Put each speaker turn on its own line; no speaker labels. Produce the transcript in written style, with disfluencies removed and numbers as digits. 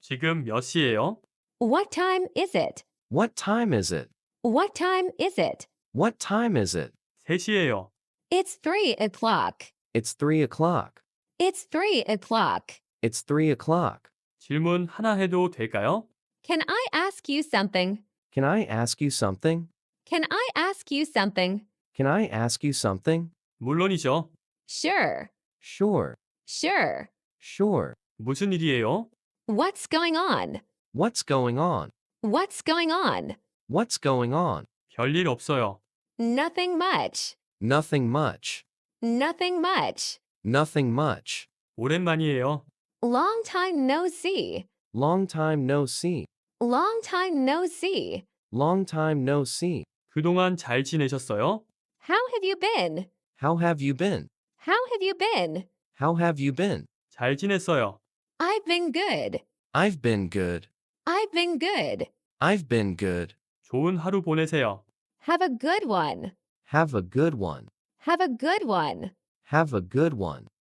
지금 몇 시예요?
What time is it?
What time is it?
What time is it?
What time is it?
3시예요.
It's 3 o'clock.
It's 3 o'clock.
It's 3 o'clock.
It's 3 o'clock.
질문 하나 해도 될까요?
Can I ask you something?
Can I ask you something?
Can I ask you something?
Can I ask you something?
물론이죠.
Sure.
Sure.
Sure.
Sure.
무슨 일이에요?
What's going on?
What's going on?
What's going on?
What's going on?
별일 없어요.
Nothing much.
Nothing much.
Nothing much.
Nothing much.
오랜만이에요.
Long time no see.
Long time no see.
Long time no see.
Long time no see.
그동안 잘 지내셨어요?
How have you been?
How have you been?
How have you been?
How have you been?
잘 지냈어요.
I've been good.
I've been good.
I've been good.
I've been good.
좋은 하루 보내세요.
Have a good one.
Have a good one.
Have a good one.
Have a good one.